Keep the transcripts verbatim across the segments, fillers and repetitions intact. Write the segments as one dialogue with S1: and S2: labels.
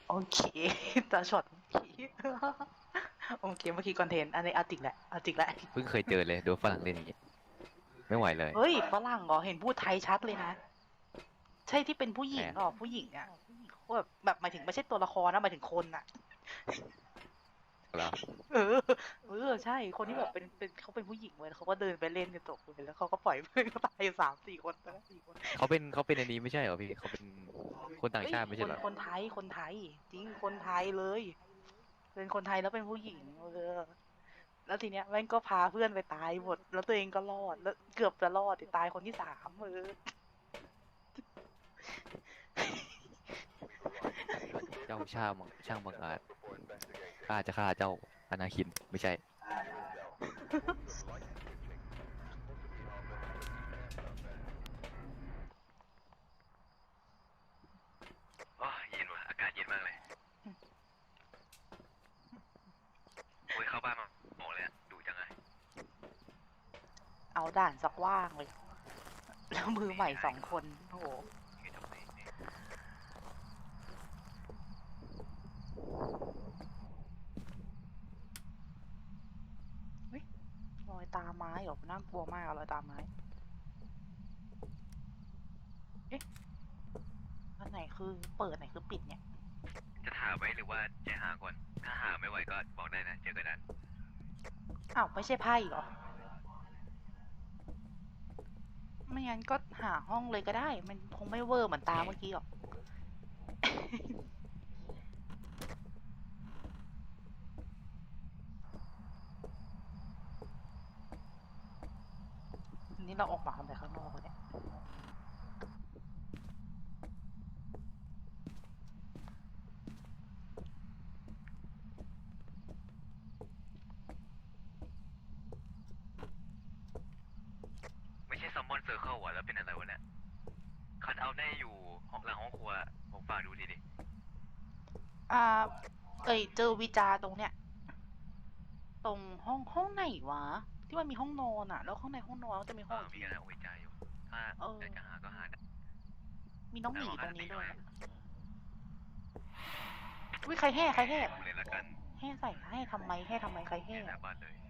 S1: โอเคตาช็อตเมื่อกี้โอเคเมื่อกี้คอนเทนต์อันนี้เอาจริงแหละเอาจริงแหละ
S2: เพิ่งเคยเจอเลยโดนฝรั่งเล่นอย่างเงี้ยไม่ไหวเลย
S1: เฮ้ยฝรั่งเหรอเห็นพูดไทยชัดเลยนะใช่ที่เป็นผู้หญิง
S2: แหม
S1: เหรอผู้หญิงอ่ะแบบแบบหมายถึงไม่ใช่ตัวละครนะหมายถึงคนอ่ะ
S2: แล้ว
S1: เออเออใช่คนที่แบบเป็นเป็นเขาเป็นผู้หญิงเว้ยเขาก็เดินไปเล่นกันจบเลยแล้วเขาก็ปล่อยเพื่อนเขาตายสามสี่คนไปแล้วสี่คน
S2: เขาเป็นเขาเป็นอันนี้ไม่ใช่เหรอพี่เขาเป็นคนต่าง
S1: เฮ้ย
S2: ชาติไม่
S1: คน
S2: ใช่เหรอ
S1: คนไทยคนไทยจริงคนไทยเลยเป็นคนไทยแล้วเป็นผู้หญิงเออ แล้วทีเนี้ยแม่งก็พาเพื่อนไปตายหมดแล้วตัวเองก็รอดแล้วเกือบจะรอดแต่ตายคนที่สามเออ
S2: เจ้าช่างมังช่างบังอาจข้าจะฆ่าเจ้าอนาคินไม่ใช่อ๋อเย็นว่ะอากาศเย็นมากเลยโอ้ยเข้าบ้านมาหมดเลยอะดูจังไง
S1: เอาด่านสักว่างเลยแล้วมือใหม่
S2: ไม่ได้
S1: สองคนโอ้โห
S2: ไม่ทำไมเนี่ย
S1: เฮ้ยรอยตาไม้เหรอน่ากลัวมากอะรอยตาไม้เอ๊ะอันไหนคือเปิดอันไหนคือปิดเนี่ย
S2: จะถามไว้หรือว่าจะหาก่อนถ้าหาไม่ไหวก็บอกได้นะเจอกันนั้น
S1: อ้าวไม่ใช่ไพ่เหรอไม่งั้นก็หาห้องเลยก็ได้มันคงไม่เวอร์เหมือนตาเมื่อกี้หรอก นี่เราออกมาทำไมข้างนอกวะเนี่ย
S2: ไม่ใช่ซัมมอนเซอร์เคิลว่ะแล้วเป็นอะไรวะเนี่ยคัทเอาท์ได้อยู่ห้องหลังห้องครัวผมฝากดูทีดิ
S1: อ่าเอ้ยเจอวิจาตรงเนี้ยตรงห้องห้องไหนวะที่มันมีห้องนอนอะแล้วข้างในห้องนอนก็จะมีห้
S2: อ่า
S1: องอีกที
S2: มีกันนะโอ้ยใจอยู่ถ้า
S1: เออ
S2: อยากจะหาก็หาได้
S1: มีน้องหมี
S2: แล้วขอค่า
S1: ตรงนี้ด้วย
S2: สติหน่อย
S1: อุ้ยใครแห่ใครแห่
S2: ดูเลยละกัน
S1: แห่ใส่ให้ทำไมแห่ทำไมใครแห่
S2: เนี่ยหน้าบ้านเลย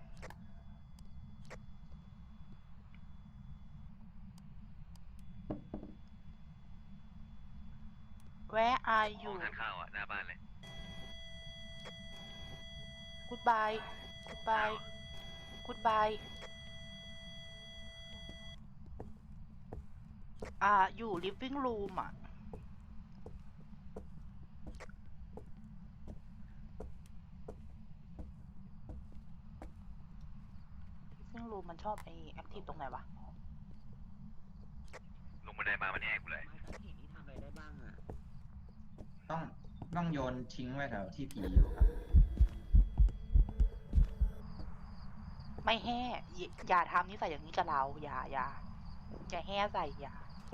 S1: Where are
S2: ห้อง
S1: you
S2: ทานข้าวอ่ะหน้าบ้านเลย
S1: Goodbye
S2: อ้า
S1: Goodbye
S2: ว
S1: Goodbye อ่าอยู่ living room อ่ะ living room มันชอบไอ้ active ตรงไหนวะ
S2: ลงบันไดมามันแห้กูเลย
S3: ไม้กางเขนนี่ทำอะไรได้บ้างอ่ะ
S4: ต้องต้องโยนทิ้งไว้แถวที่ผีอยู่ครับ
S1: ไม่แห่อย่าอย่าทำนิสัยอย่างนี้กับเราอย่าอย่าอย่าแห่ใส่อย่า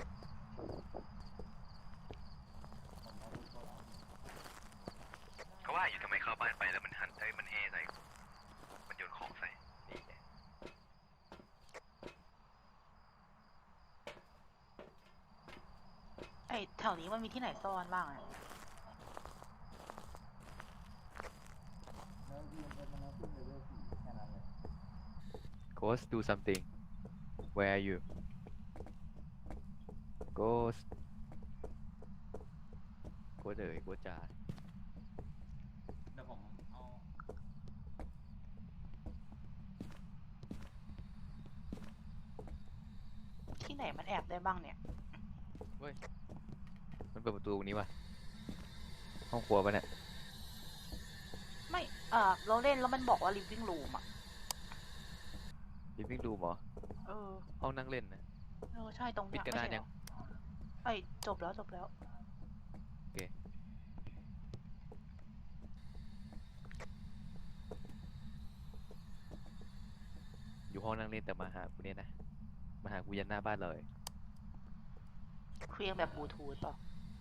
S2: ก็ว่าอยู่ทำไมเข้าบ้านไปแล้วมันหันเอ้ยมันแห่ใส่มันโยนของใส่นี่ไง
S1: ไอ้แถวนี้มันมีที่ไหนซ่อนบ้างอะ
S2: Ghost do something where are you Ghost Ghost เอ๋ย Ghost จ๋า
S4: เดี๋ยวผมเอา
S1: ที่ไหนมันแอบได้บ้างเนี่ย
S2: เฮ้ยมันเปิดประตูตรงนี้วะห้องครัวปะเนี่ย
S1: ไม่เออเราเล่นแล้วมันบอกว่า living room อ่ะ
S2: living room เหรอ
S1: เออ
S2: ห้องนั่งเล่นนะ
S1: เออใช่ตรง
S2: ปิด
S1: เนี้ย
S2: กันนานยัง
S1: ไม่ใช่เหรอไอ้ยจบแล้วจบแล้ว
S2: โอเคอยู่ห้องนั่งเล่นแต่มาหากูเนี่ยนะมาหากูยันหน้าบ้านเลย
S1: เคลียงแบบบลูทูธเปล่า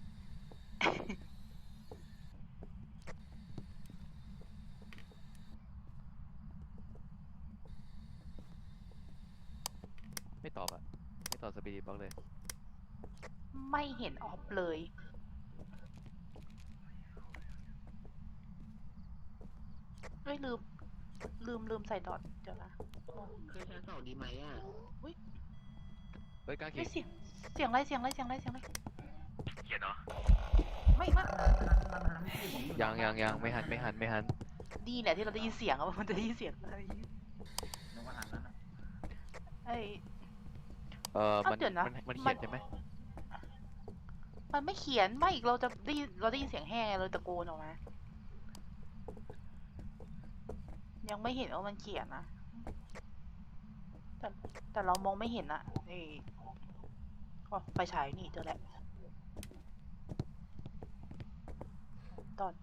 S2: ไม่ตอบอะไม่ตอบสปีดบล็อกเลย
S1: ไม่เห็นออฟเลยเอ้ยลืม ลืมลืมใส่ดอทเดี๋ยวนะโอ้
S3: เคยชั้นสองดีไหมอ่ะ
S2: เฮ้ยกล้า
S1: เฮ้
S2: ขี่
S1: ยเสียงเสียงอะไรเสียงอะไรเสียงอะไรเสียงอะไร
S2: เขียนเนาะ
S1: ไม่ไม่
S2: ยังยังยังไม่หันไม่หันไม่หัน
S1: ดีเนี่ยที่เราได้ยินเสียงอะมันจะได้ยินเสียงอะไร
S4: นึกว่าหันนั้นอะ
S1: ไอ้
S2: เออ
S1: เอ้า
S2: มัน
S1: เดี๋ยวนะ
S2: มันมัน
S1: มั
S2: เขีย
S1: น
S2: นใช่ไหม
S1: มันไม่เขียนไม่อีกเราจะได้ยินเราได้ยินเสียงแห่ไงเราตะโกนออกมา ยังไม่เห็นว่ามันเขียนนะ แต่แต่เรามองไม่เห็นอะไอ้อ๋อไฟฉายนี่เจอแล้วตอน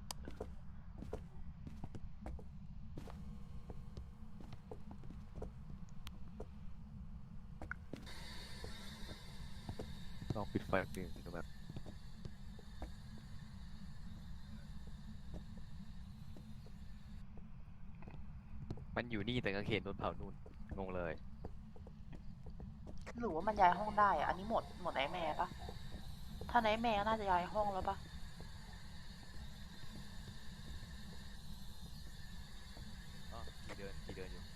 S2: ลองปิดไฟหนึ่งดูแบบมันอยู่นี่แต่กางเขนโดนเผานู่นงงเลย
S1: หรือว่ามันย้ายห้องได้อะอันนี้หมดหมดไนท์แมร์ปะถ้าไนท์แมร์ก็น่าจะย้ายห้องแล้วปะ
S2: อ๋อขี่เดินขี่เดินอยู่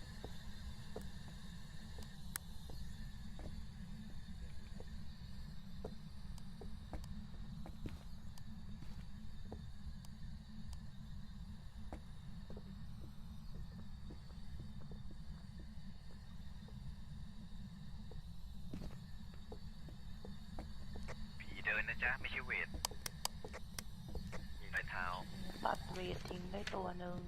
S2: ผีเดินนะจ๊ะไม่ใช่เวทมีรอยเท้า
S1: ตัดเวททิ้งได้ตัวหนึ่ง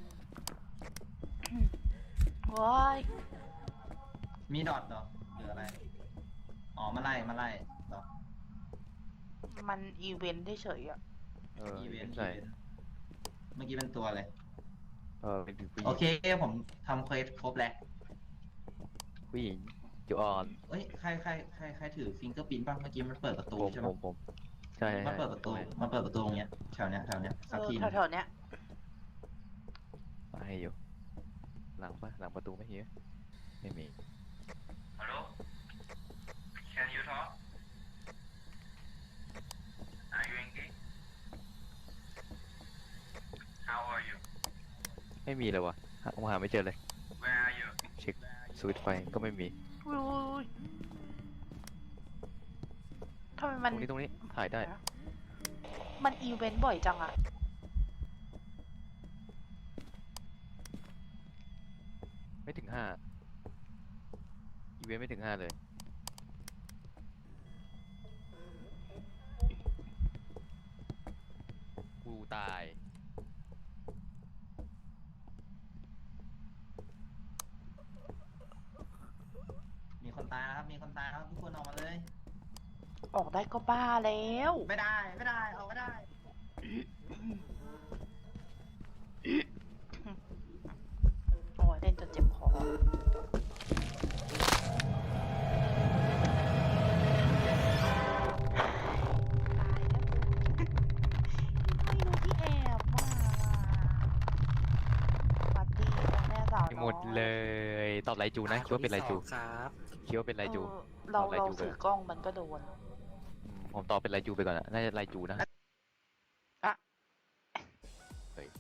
S1: ว้าย
S4: มีดอทเหรอหรืออะไร อ๋อ มาไล่ มาไล่เหรอ
S1: มันอีเวนต์เฉยๆอะ
S2: เออ
S4: อีเวนต์
S2: ใช่
S4: อีเวนต์เมื่อกี้เป็นตัวเลย
S2: เออเป็นผู้ห
S4: โอ
S2: ญิง
S4: เค ผมทำเควสครบแล้ว
S2: ผู้หญิงจูออน
S4: เอ้ย ใคร ใคร ใคร ใครถือฟิงเกอร์พิ้นบ้างเมื่อกี้มันเปิดประตู
S2: ผม
S4: ใช่
S2: ผ
S4: ไหม
S2: มผมใช่
S4: มันเปิดประตู มันเปิดประตูตรงเนี้ย แถวเนี้ย แถวเนี้ย
S1: เอ
S4: สัก
S1: อ
S4: ทีหนึง
S1: แถวๆเนี้ย
S2: ให้อยู่ หลังปะหลังประตูไม่มีไหมไม่มี
S4: Hello Can you talk Are you engaged How are you
S2: ไม่มีเลยวะหาหาไม่เจอเลย
S4: Where are you
S2: เช็คสวิตช์ไฟก็ไม่มี
S1: อุ้ยอุ้ยอุ้ยทำไม
S2: ต
S1: มัน
S2: รงนี้ตรงนี้ถ่ายได้
S1: มันอีเวนต์บ่อยจังอะ
S2: ไม่ถึงห้าอีเวนต์ไม่ถึงห้าเลยกูตาย
S4: มีคนตายแล้วครับ มีคนตายแล้วครับทุกคนออกมาเลย
S1: ออกได้ก็บ้าแล้ว
S4: ไม่ได้ ไม่ได้ ออกไม่ได้
S1: โอ้ยเล่นจนเจ็บคอ ตายแล้วไม่รู้ที่แอบว่าปาร์ตี้ของแม่สาวน้อย
S2: หมดเลยตอบไรจูนะคิดว่าเป็นไรจู
S3: ครับ
S2: คิดว่าเป็นไรจู
S1: เออเรา
S2: เอาไล่
S1: เรา
S2: จูไป
S1: ถือกล้องมันก็โดน
S2: อืมผมตอบเป็นไรจูไปก่อนอะน่าจะไรจูนะ
S1: อะ
S2: เฮ้ย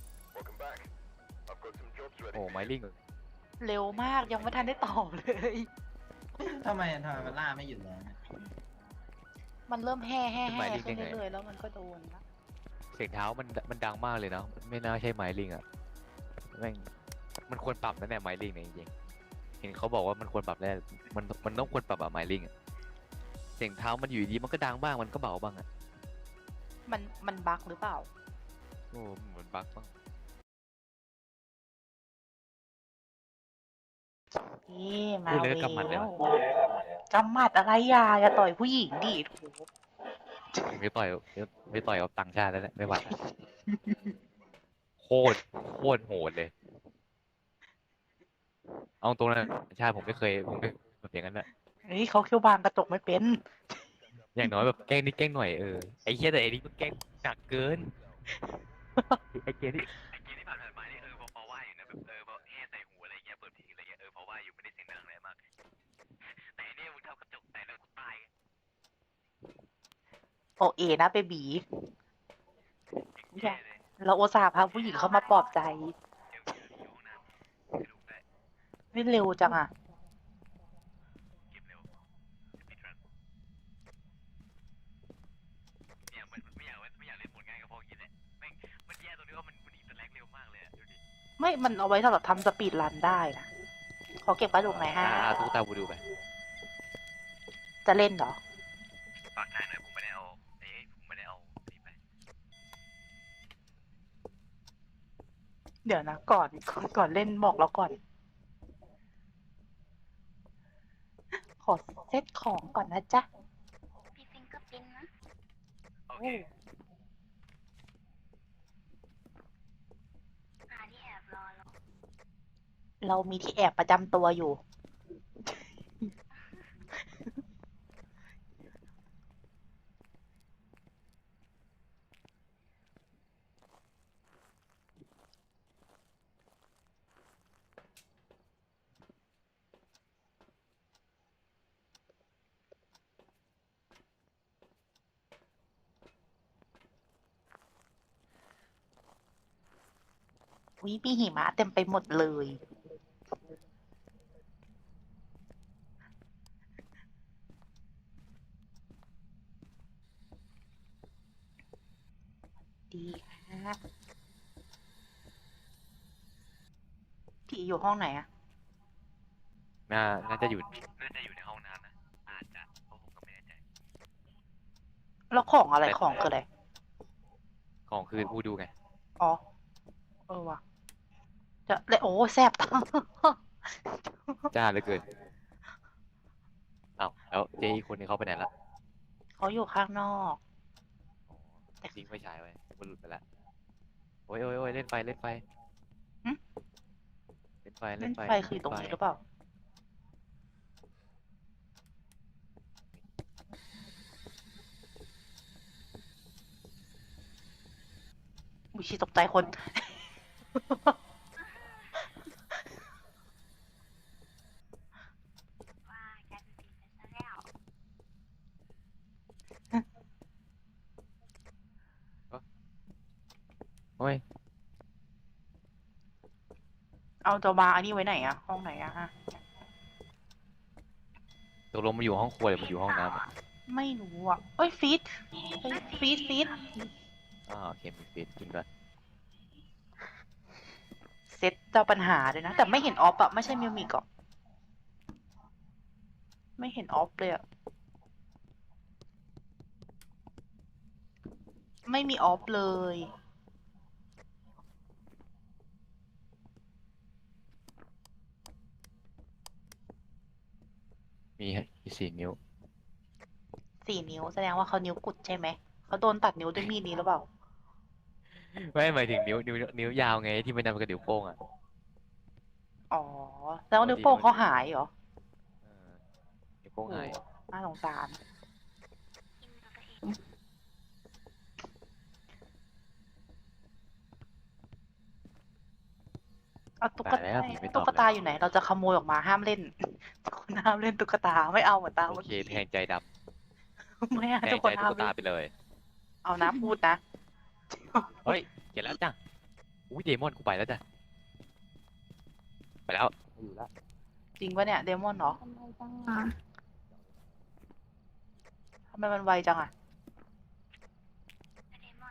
S2: โอ้ไมลิง
S1: เร็วมากยังไม่ทันได้ตอบเลย
S4: ทำไมทำไมมันล่าไม่หยุดเลยเนี่ย
S1: มันเริ่มแห่แห่แห่ขึ้นเรื่อยๆแล้วมันก็โดนละ
S2: เสียงเท้ามันมันดังมากเลยเนาะไม่น่าใช่ไมลิงอะแม่งมันควรปรับนะเนี่ยไมลิงเนี่ยจริงๆเห็นเขาบอกว่ามันควรปรับแน่มันมันต้องควรปรับอะไมลิงอะเสียงเท้ามันอยู่ดีมันก็ดังบ้างมันก็เบาบ้างอะ
S1: มันมันบั๊กหรือเปล่า
S2: โอ้เหมือนบั๊กบ้าง
S1: นี่มา
S2: พูด
S1: แล้
S2: เลยก็กำหมัดเลยนะ
S1: วกำหมัดอะไรอย่าอย่าต่อยผู้หญิงดิโถู
S2: ไม่ต่อยไม่ต่อยกับต่างชาติแล้วเนี่ยไม่ไหวละโคตรโคตรโหดเลย เอาตรงนั้นต่างชาติผมไม่เคยผมไม่แบบอย่างนั้นอะ
S1: เฮ้ยเขาเคี้ยวบางกระจกไม่เป็น
S2: อย่างน้อยแบบแกล้งนิดแกล้งหน่อยเออไอ้เหี้ยแต่ไอ้นี่มันแกล้งหนักเกินไอ้เกมที่ไอ้เกมที่ผ่านๆมานี่เออพอพอว่าอยู่นะแบบเออพอแห่ใส่หูอะไรเงี้ยเปิดเพลงอะไรเงี้ยเออพอว่าอยู่ไม่ได้เสียงดังอะไรมากแต่อันเนี่ยมึงทำกระจกแตกแล้วกูตาย
S1: โอเอนะเบบี
S2: แย่เลย
S1: เราโอตส่าห์พาผู้หญิงเข้ามาปลอบใจ
S2: เดี๋ยวอยู่ห้องน้
S1: ไม่เร็วจังอ่ะ
S2: เกมเร็วสปีดรันเนี่ยมันไม่อยากไม่อยากเล่นหมดง่ายก็เพราะอย่างนี้แหละแม่งมันแย่ตรงที่ว่ามันมันอีสแลกเร็วมากเลยอะดูดิ
S1: ไม่มันเอาไว้สำหรับทำสปีดรันได้นะขอเก็บไว้ตรงไหนฮะ
S2: อ่าตุ๊กตาบูดูไป
S1: จะเล่นเหรอ
S2: ฝากทายหน่อยผมไม่ได้เอาเอ้ยผมไม่ได้เอานี่ไป
S1: เดี๋ยวนะก่อนก่อนก่อนเล่นบอกเราก่อน ขอเซตของก่อนนะจ๊ะ
S5: มีฟิงเกอร์พิ้นนะ
S2: โอเค
S5: หาที่แอบรอแล้ว
S1: เรามีที่แอบประจำตัวอยู่ วิมีหิมะเต็มไปหมดเลย ดีค่ะผีอยู่ห้องไหนอะ
S2: น่าน่าจะอยู่น่าจะอยู่ในห้องน้ำนะอาจจะเพราะผมก็ไม่แน่ใจ
S1: แล้วของอะไร
S2: แต่
S1: ของคืออะไร
S2: ของคือบูดูไง
S1: อ๋อ เออว่ะ จะเลยโอ้แสบตา
S2: จ้าเหลือเกินอ้าวแล้วเจ๊อีกคนนึงเข้าไปไหนละ
S1: เขาอยู่ข้างนอก
S2: อ๋อทิ้งไฟฉายไว้มันหลุดไปละโอ้ยโอ้ยโอ้ยเล่นไฟเล่นไฟ
S1: หึ
S2: เล่นไฟ
S1: เล่
S2: เล่
S1: น
S2: นไฟ
S1: ไฟคือตรงนี้หรือเปล่า อุยชีตกใจคน
S5: ว่ากลายเป็นผีไปซะแล้ว
S2: โอ้ย
S1: เอาจะมาอันนี้ไว้ไหนอะห้องไหนอะฮะ
S2: ตกลงมันอยู่ห้องครัวหรือมันอยู่ห้องน้ำอะ
S1: ไม่รู้อะเอ้ยฟีดเอ้ยฟีดฟีด
S2: อ่าโอเคมีฟีดจริงด้วย
S1: เซตเจ้าปัญหาเลยนะ แต่ไม่เห็นออฟอะไม่ใช่มิวมิกหรอกไม่เห็นออฟเลยอะไม่มีออฟเลย
S2: มีมีสี่นิ้ว
S1: สี่นิ้วแสดงว่าเขานิ้วกุดใช่ไหม เขาโดนตัดนิ้วด้วยมีดนี้หรือเปล่า
S2: ไม่หมายถึงนิ้วนิ้วนิ้วยาวไงที่มันนำกับนิ้วโป้งอ่ะ
S1: อ๋อ แล้วนิ้วโป้งเขาหายเหรอ
S2: เออนิ้วโป้งหาย
S1: น่าสงสาร
S5: กินตัวเอง
S1: เอาตุ๊ก
S2: ตาย
S1: ตา
S2: แล้วผีไม่ต
S1: ตุ๊
S2: อบ
S1: กตา
S2: เลย
S1: อยู่ไหน เราจะขโมยออกมาห้ามเล่น ทุกคนห้ามเล่นตุ๊กตาไม่เอาเหมือนตา
S2: โอ
S1: เมื่อ
S2: เค
S1: กี้
S2: แทงใจด
S1: ไม่
S2: ำ
S1: เอา
S2: แท
S1: ทุ
S2: ง
S1: กค
S2: ใจ
S1: น
S2: ตุ๊
S1: ห้าม
S2: กตา
S1: เล่น
S2: ไปเลย
S1: เอานะพูดนะ
S2: เฮ้ยเห็นแล้วจ้ะอุ้ยเดมอนกูไปแล้วจ้ะไปแล้วไม่อยู่แล้ว
S1: จริงปะเนี่ยเดมอนเหรอ
S5: ทำไมจังอ่ะ
S1: ทำไมมันไวจังอะ
S5: เดมอน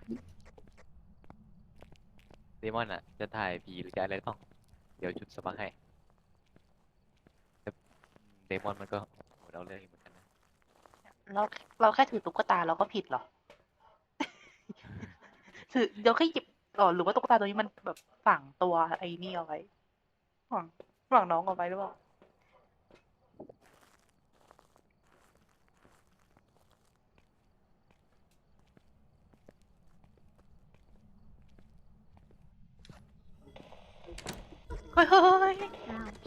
S2: เดมอนอ่ะจะถ่ายผีหรือจะอะไรต้องเดี๋ยวจุดสมัครให้แต่เดมอนมันก็โหดเอาเรื่องอยู่เหมือนกันนะ
S1: เราเราแค่ถือตุ๊กตาเราก็ผิดเหรอ ถือเดี๋ยวแค่หยิบอ๋อหรือว่าตุ๊กตาตัวนี้มันแบบฝังตัวไอ้นี่เอาไว้ฝังฝังน้องเอาไว้หรือเปล่า เฮ้ยเฮ้ยเฮ้ย
S5: อ้าว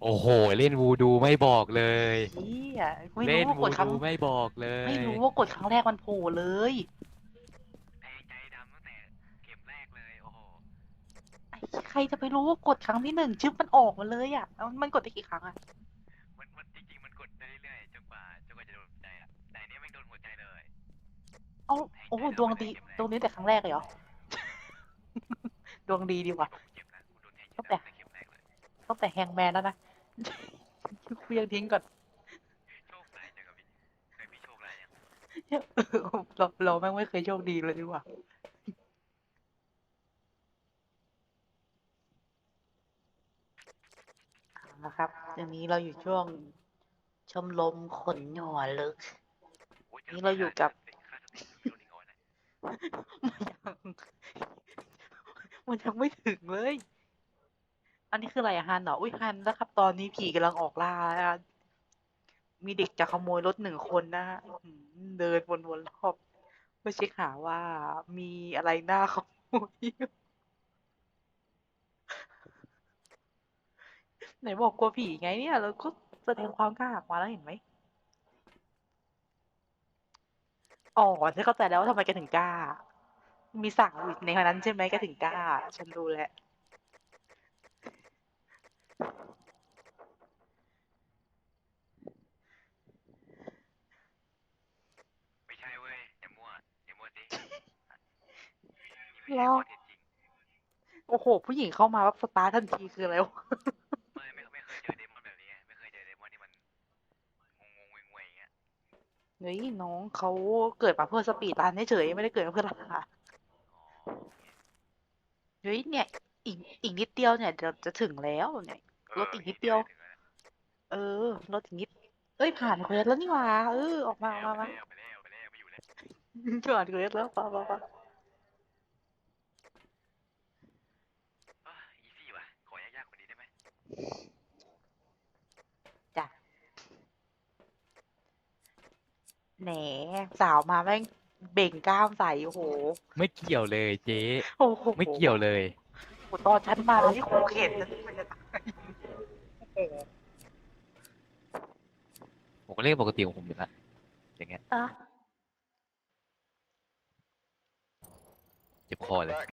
S2: โอ้โห เล่นวูดูไม่บอกเลย
S1: เฮียไม่
S2: เล่
S1: รู้
S2: น
S1: ว่าก
S2: วู
S1: ดครั้ง
S2: ดูไม่บอกเลย
S1: ไม่รู้ว่ากดครั้งแรกมันโผล่เลย
S2: ใจใจดำตั้งแต่เข็มแรกเลยโอ้โห
S1: ไอ้ใครจะไปรู้ว่ากดครั้งที่หนึ่งชึบมันออกมาเลยอ่ะแล้วมันกดได้กี่ครั้งอ่ะ
S2: มันมันจริงๆมันกดได้เรื่อยๆจนกว่าจนกว่าจะโดนหัวใจอะแต่อันเนี้ยไม่โดนหัวใจเลย
S1: เอ้าโอ้โหดวงดีดวงดีแต่ครั้งแรกเลยเหรอ ดวงดีดีว่ะ
S2: เจ็บนะกูโดนแทง
S1: ตั้งแต่
S2: เข็มแรกเลย
S1: ตั้งแต่แฮงแมนแล้วนะ กูยังทิ้งก่อน
S2: โชคร้ายจังกับพี่เคยมีโชคร้ายยัง
S1: เราเราแม่งไม่เคยโชคดีเลยดีกว่าเอาละครับตอนนี้เราอยู่ช่วงชมรมขนหัวลึก
S2: โอ้ยจ
S1: นี่เราอยู่กับ
S2: ค่าสติอยู่ที่โดนอีกเอาไว้นะ
S1: มันยังมันยังไม่ถึงเลย อันนี้คืออะไรอะฮันเหรออุ้ยฮันแล้วครับ ตอนนี้ผีกำลังออกล่าแล้วอะมีเด็กจะขโมยรถหนึ่งคนนะฮะอื้อหือเดินวนๆรอบเพื่อเช็คหาว่ามีอะไรน่าขโมยอยู่ไหนบอกกลัวผีไงเนี่ยเราก็แสดงความกล้าออกมาแล้วเห็นไหมอ๋อฉันเข้าใจแล้วว่าทำไมแกถึงกล้า มีสาวอยู่ในคนนั้นใช่ไหมแกถึงกล้า ฉันรู้แล้ว
S2: ไม่ใช่เว้ยอย่ามั่วอย่ามั่วสินี่ไม่
S1: แล้
S2: ใช่
S1: ว
S2: ข้อเท็จจริง
S1: โอ้โห ผู้หญิงเข้ามาแบบสตาร์ททันทีคืออะไรวะ
S2: ไม่ไม่ไม่เคยเจอเดมอนแบบนี้ไงไม่เคยเจอเดมอนที่มันงงงงวยๆอย่างเงี้ย
S1: เฮ้ยน้องเขาเกิดมาเพื่อสปีดรันเฉยๆไม่ได้เกิดมาเพื่อล่า
S2: อ๋อ
S1: เฮ้ยเนี่ยอีกอีกนิดเดียวเนี่ยเดี๋ยวจะถึงแล้วเนี่ย รถอีกนิดเดียว เออรถอีกนิด เอ้ยผ่านเควสแล้วนี่หว่าเออออกมาออกมามา
S2: ไปแล้วไปแล้วไปแล้วไปอยู่แล้ว
S1: ผ่านเควสแล้วป่ะป่ะป่ะ
S2: อีซี่ว่ะขอยากๆกว่านี้ได้ไหม
S1: จ้ะแหนสาวมาแม่งเบ่งกล้ามใส่โอ้โห
S2: ไม่เกี่ยวเลยเจ๊
S1: โอ้โห
S2: ไม่เกี่ยวเลย
S1: โอ้โหตอนฉันมาที่ครูเข็นฉันมันจะตายโอ้โห
S2: ผมก็เล่นปกติของผมอยู่แล้วอย่างเงี้ย
S1: อ่ะ
S2: เจ็บคอเลย